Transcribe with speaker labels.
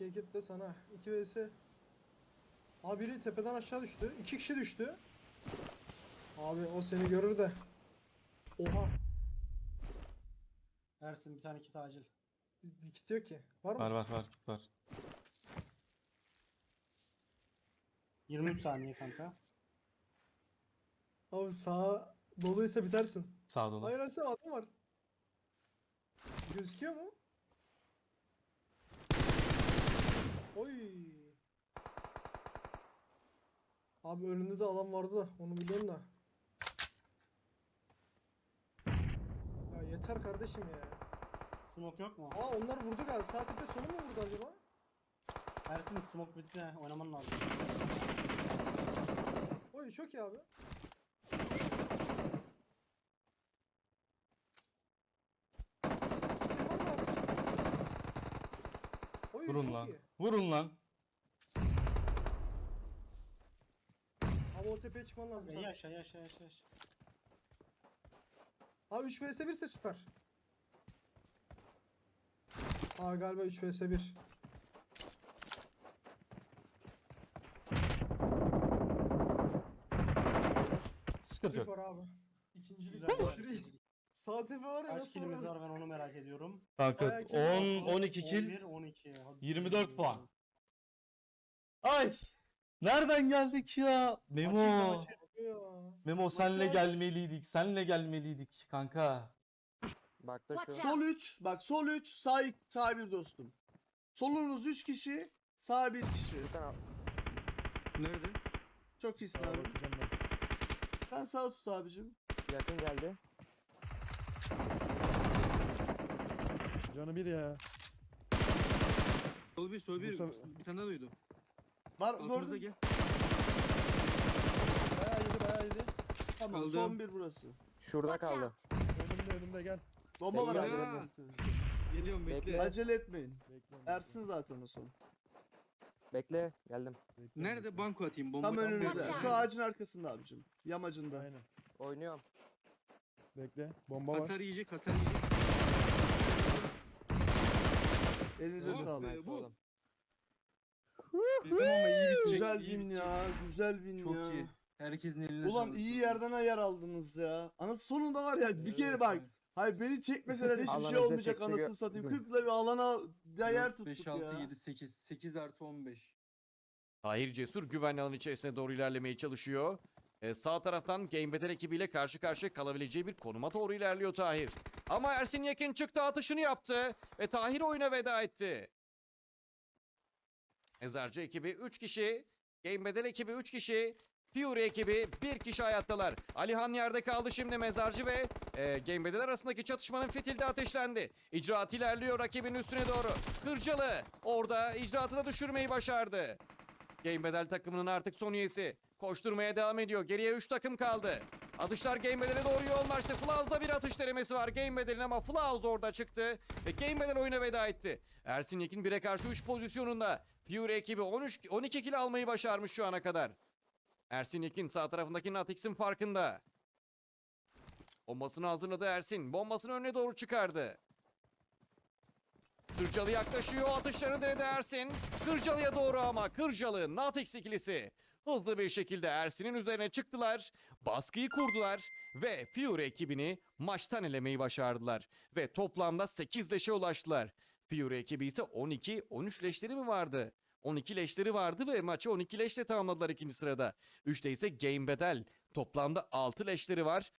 Speaker 1: ekip de sana. 2 vs. Abi biri tepeden aşağı düştü. 2 kişi düştü. Abi o seni görür de. Oha.
Speaker 2: Ersin bir tane kit acil.
Speaker 1: Bir kit yok ki. Var mı?
Speaker 3: Var kit var.
Speaker 2: 23 saniye kanka.
Speaker 1: Abi sağa doluysa bitersin.
Speaker 3: Sağ dolu.
Speaker 1: Hayır Ersem adam var. Gözüküyor mu? Oy. Abi önünde de alan vardı da onu biliyorum da. Ya yeter kardeşim ya.
Speaker 2: Smoke yok mu?
Speaker 1: Aa onlar vurdu galiba. Sağ tepe sonu mu vurdu acaba?
Speaker 2: Ersin smoke bitti. Oynaman lazım.
Speaker 1: Oy çok iyi abi. Oy
Speaker 3: Vurun
Speaker 1: çok
Speaker 3: lan.
Speaker 1: iyi.
Speaker 3: Vurun lan.
Speaker 1: Abi o tepeye çıkman lazım sen.
Speaker 2: Yaşa.
Speaker 1: Abi 3 vs 1 ise süper. Aa galiba 3 vs 1.
Speaker 3: Sıkıntı yok.
Speaker 1: Süper abi. İkincilik.
Speaker 2: Güzel.
Speaker 1: Aşırı iyi. Sağ tepe var ya
Speaker 2: Kaç
Speaker 1: nasıl
Speaker 2: kilimiz
Speaker 1: var?
Speaker 2: var ben onu merak ediyorum.
Speaker 3: Kanka
Speaker 1: Bayağı kill var.
Speaker 3: 10 12 kill
Speaker 2: 11, 12. Hadi
Speaker 3: 24 puan. Ay! Nereden geldik ya? Memo.
Speaker 2: Maçı.
Speaker 1: Ya.
Speaker 3: Memo senle
Speaker 1: Maçı-
Speaker 3: gelmeliydik. Senle gelmeliydik kanka.
Speaker 4: Bak da
Speaker 5: Watch
Speaker 4: şu.
Speaker 5: out.
Speaker 6: Sol 3. Bak sol 3. Sağ 1 dostum. Solunuz 3 kişi. Sağ 1 kişi.
Speaker 4: Bir tane
Speaker 7: Nerede?
Speaker 6: Çok iyisin abi. Sen sağ tut abicim.
Speaker 4: yakın geldi.
Speaker 8: Canı bir ya.
Speaker 7: Sol bir, sol bir.
Speaker 8: Bu
Speaker 7: Bir tane daha duydu.
Speaker 6: Var
Speaker 7: Altımıza
Speaker 6: gördün.
Speaker 7: gel.
Speaker 8: Bayağı yedi.
Speaker 6: Tamam
Speaker 7: Kaldı.
Speaker 6: son 1 burası.
Speaker 4: Şurada
Speaker 5: Watch
Speaker 4: kaldı.
Speaker 5: out.
Speaker 8: Önümde gel.
Speaker 6: Bomba var
Speaker 4: Bekle,
Speaker 6: abi.
Speaker 7: Geliyorum bekle.
Speaker 4: Bekle.
Speaker 6: Acele etmeyin.
Speaker 8: Bekle.
Speaker 6: Ersin zaten o son.
Speaker 4: Bekle geldim.
Speaker 7: Nerede banko atayım? Bomba
Speaker 6: Tam önünüzde.
Speaker 5: Watch out.
Speaker 6: Şu ağacın arkasında abicim. Yamacında.
Speaker 8: Aynen.
Speaker 4: Oynuyorum.
Speaker 8: Bekle. Bomba var.
Speaker 7: Hasar yiyecek, hasar yiyecek.
Speaker 6: Elinize
Speaker 7: Oh
Speaker 6: sağlık.
Speaker 7: be, bu.
Speaker 4: Oğlum.
Speaker 7: Dedim ama iyi bitecek.
Speaker 6: Güzel
Speaker 7: iyi
Speaker 6: win
Speaker 7: bitecek.
Speaker 6: ya. Güzel win
Speaker 7: Çok
Speaker 6: ya.
Speaker 7: iyi. Herkesin eline
Speaker 6: Ulan
Speaker 7: sağlık.
Speaker 6: iyi yerden ayar aldınız ya. Anası sonunda var ya bir kere bak. Hayır beni çekmeseler hiçbir
Speaker 4: Alana
Speaker 6: şey olmayacak
Speaker 4: çekti,
Speaker 6: anasını satayım. 40'la bir alana ayar tuttuk
Speaker 7: 5,
Speaker 6: ya.
Speaker 7: 6, 7, 8. 8 artı 15.
Speaker 9: Tahir Cesur güvenli alan içerisine doğru ilerlemeye çalışıyor. Sağ taraftan Game Battle ekibiyle karşı karşıya kalabileceği bir konuma doğru ilerliyor Tahir. Ama Ersin Yekin çıktı, atışını yaptı ve Tahir oyuna veda etti. Mezarcı ekibi 3 kişi, Game Battle ekibi 3 kişi, Fury ekibi 1 kişi hayattalar. Alihan yerde kaldı şimdi. Mezarcı ve Game Battle arasındaki çatışmanın fitili de ateşlendi. İcraat ilerliyor rakibin üstüne doğru. Kırcalı orada icraatı da düşürmeyi başardı. Game Battle takımının artık son üyesi. Koşturmaya devam ediyor. Geriye 3 takım kaldı. Atışlar Game Battle'e doğru yoğunlaştı. Flaws'da bir atış denemesi var Game Battle'in ama Flaws orada çıktı. Ve Game Battle oyuna veda etti. Ersin Yekin 1'e karşı 3 pozisyonunda. Fury ekibi 12 kill almayı başarmış şu ana kadar. Ersin Yekin sağ tarafındaki Natix'in farkında. Bombasını hazırladı Ersin. Bombasını önüne doğru çıkardı. Kırcalı yaklaşıyor. Atışlarını denedi Ersin. Kırcalı'ya doğru ama Kırcalı, Natix ikilisi hızlı bir şekilde Ersin'in üzerine çıktılar. Baskıyı kurdular ve Fury ekibini maçtan elemeyi başardılar. Ve toplamda 8 leşe ulaştılar. Fury ekibi ise 13 leşleri mi vardı? 12 leşleri vardı ve maçı 12 leşle tamamladılar ikinci sırada. 3'te ise Game Battle. Toplamda 6 leşleri var.